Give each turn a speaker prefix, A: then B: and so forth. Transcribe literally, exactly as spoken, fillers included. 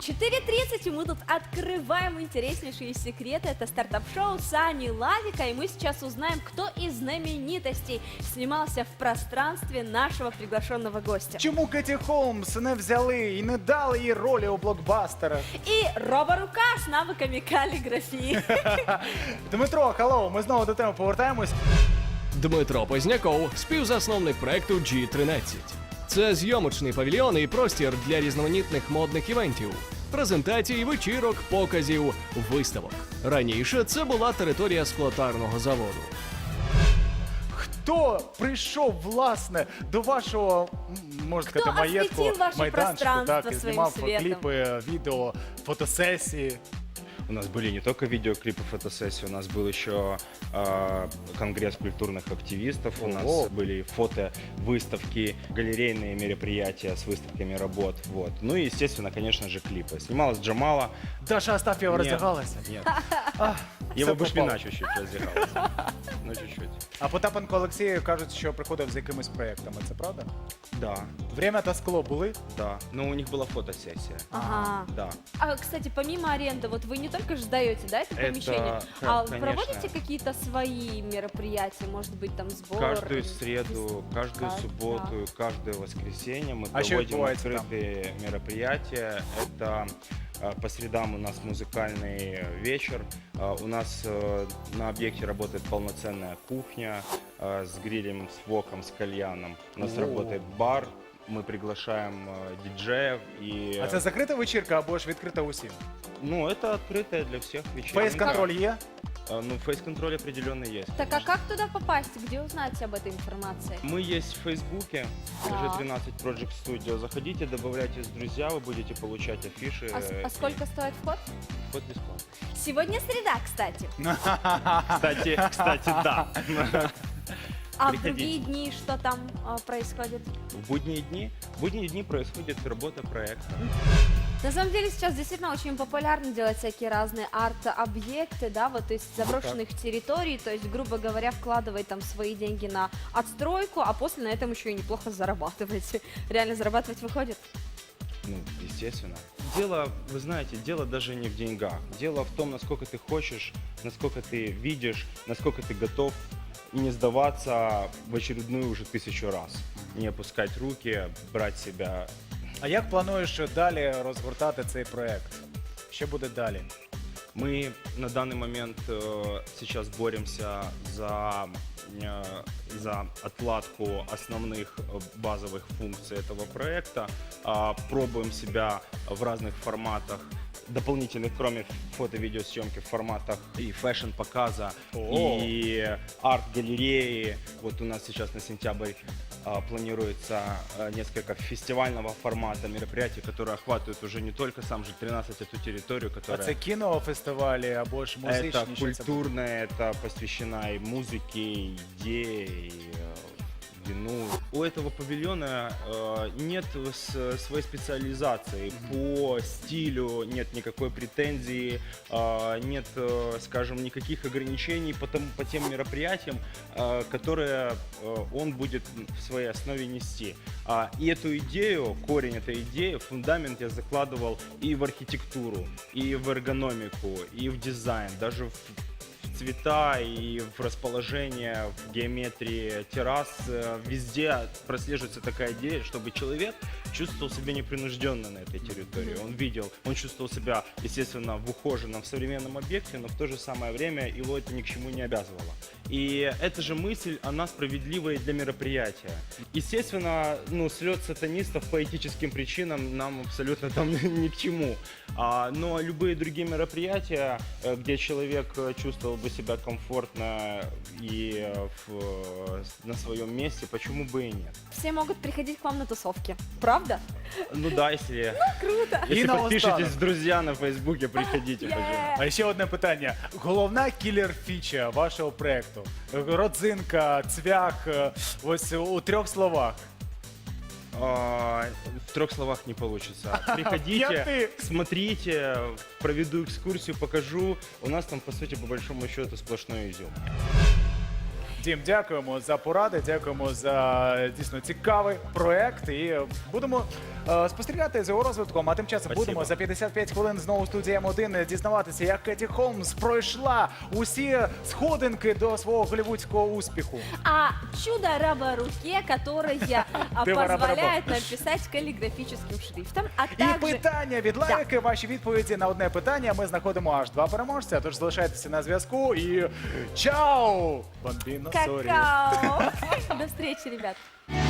A: четыре тридцать, и мы тут открываем интереснейшие секреты. Это стартап-шоу Сани Лавика, и мы сейчас узнаем, кто из знаменитостей снимался в пространстве нашего приглашенного гостя.
B: Чому Кеті Холмс не взяли і не дали їй ролі у блокбастерах?
A: І роборука з навиками каліграфії.
B: Дмитро, халлоу, ми знову до теми повертаємось.
C: Дмитро Позняков, співзасновник проекту джі тринадцять. Це зйомочний павільйон і простір для різноманітних модних івентів, презентацій, вечірок, показів, виставок. Раніше це була територія склотарного заводу.
B: Хто прийшов, власне, до вашого, м, можна
A: Хто
B: сказати, маєтку,
A: освітив ваше
B: майданчику,
A: пространство
B: так, і
A: своїм
B: знімав
A: світом?
B: кліпи, відео, фотосесії?
D: У нас были не только видеоклипы, фотосессии, у нас был еще э, конгресс культурных активистов, у нас
B: Ого.
D: были фото, выставки, галерейные мероприятия с выставками работ. Вот. Ну и, естественно, конечно же, клипы. Снималась Джамала.
B: Даша Астафьєва
D: Нет,
B: роздягалася?
D: Нет.
B: А,
D: Его
B: все
D: Бушмина
B: попало.
D: чуть-чуть раздевался. Ну, чуть-чуть.
B: А Потапенко Олексій кажуть, що приходив з якимись проєктами, це правда?
D: Да,
B: Время та скло були?
D: да. Но у них была фотосессия.
A: Ага.
D: Да.
A: А, кстати, помимо аренды, вот вы не только же сдаете, да, это
D: Это,
A: помещение,
D: ка-
A: а
D: конечно.
A: проводите какие-то свои мероприятия, может быть, там сбор?
D: Каждую среду, каждую
A: Да,
D: субботу, и каждое воскресенье мы
B: А что
D: проводим
B: бывает там?
D: открытые мероприятия. Это э, по средам у нас музыкальный вечер. Э, У нас э, на объекте работает полноценная кухня э, с грилем, с воком, с кальяном. У нас
B: О.
D: работает бар. Мы приглашаем э, диджеев и...
B: А це закрита вечірка або ж відкрита усім?
D: Ну, это открытая для всех вечеринка.
B: Фейс-контроль є?
D: Э, Ну, фейс-контроль определенно есть.
A: Так а как туда попасть? Где узнать об этой информации?
D: Мы есть в Фейсбуке,
A: Так.
D: джи тринадцать Project Studio. Заходите, добавляйтесь в друзья, вы будете получать афиши.
A: А, с-
D: э,
A: а сколько стоит вход?
D: и Вход бесплатный.
A: Сегодня среда, кстати.
D: Кстати, кстати, да.
A: А в
D: Приходите.
A: другие дни что там а, происходит?
D: В будние дни, в будние дни происходит работа проекта.
A: На самом деле сейчас действительно очень популярно делать всякие разные арт-объекты, да, вот, то есть заброшенных территорий, то есть, грубо говоря, вкладывать там свои деньги на отстройку, а после на этом еще и неплохо зарабатывать. Реально зарабатывать выходит?
D: Ну, естественно. Дело, вы знаете, дело даже не в деньгах. Дело в том, насколько ты хочешь, насколько ты видишь, насколько ты готов и не сдаваться в очередную уже тысячу раз. Не опускать руки, брать себя.
B: А як плануєш далі розгортати цей проєкт? Що буде далі?
D: Мы на данный момент э, сейчас боремся за, э, за отладку основных э, базовых функций этого проекта, а, пробуем себя в разных форматах, дополнительных, кроме фото-видеосъемки, в форматах и фэшн-показа,
B: О.
D: и арт-галереи. Вот у нас сейчас на сентябрь а, планируется а, несколько фестивального формата мероприятий, которые охватывают уже не только сам же тринадцать, а ту территорию,
B: А
D: которая...
B: це кінофестивалі або ж музичні?
D: Это
B: що це буде?
D: культурное, это посвящено и музыке, и идее, и э, вину. У этого павильона э, нет с- своей специализации по стилю, нет никакой претензии, э, нет, э, скажем, никаких ограничений по, тому- по тем мероприятиям, э, которые э, он будет в своей основе нести. А, и эту идею, корень этой идеи, фундамент я закладывал и в архитектуру, и в эргономику, и в дизайн, даже в в цвета и в расположение, в геометрии террас. э, Везде прослеживается такая идея, чтобы человек чувствовал себя непринужденно на этой территории. Он видел, он чувствовал себя, естественно, в ухоженном, в современном объекте, но в то же самое время его это ни к чему не обязывало. И эта же мысль, она справедлива и для мероприятия. Естественно, ну, слет сатанистов по этическим причинам нам абсолютно там ни к чему. А, но любые другие мероприятия, э, где человек э, чувствовал бы себя комфортно и э, в, э, на своем месте, почему бы и нет?
A: Все могут приходить к вам на тусовки, правда?
D: Ну да, если,
A: Круто!
D: если
B: И на
D: подпишетесь
B: устанок.
D: в друзья на Фейсбуке, приходите,
A: Е!
D: пожалуйста.
B: А ще одне питання. Головна кілер-фіча вашого проєкту? Родзинка, цвях, е, ось у трьох словах.
D: А, в трех словах не получится. Приходите,
B: Пятый.
D: смотрите, проведу экскурсию, покажу. У нас там, по сути, по большому счету, сплошной изюм.
B: Дім, дякуємо за поради, дякуємо за дійсно цікавий проект. І будемо е, спостерігати за його розвитком. А тим часом
D: Спасибо.
B: будемо за п'ятдесят п'ять хвилин знову в студії М один дізнаватися, як Кеті Холмс пройшла усі сходинки до свого голівудського успіху.
A: А чудо раба руке, которое а,
B: Дева-раба-раба.
A: позволяет нам писать каллиграфическим шрифтом, а
B: І
A: также...
B: питання від лайки, ваші відповіді на одне питання. Ми знаходимо аж два переможця, тож залишайтеся на зв'язку і чао! Бомбіно, сорі.
A: Какао! До встречи, ребят!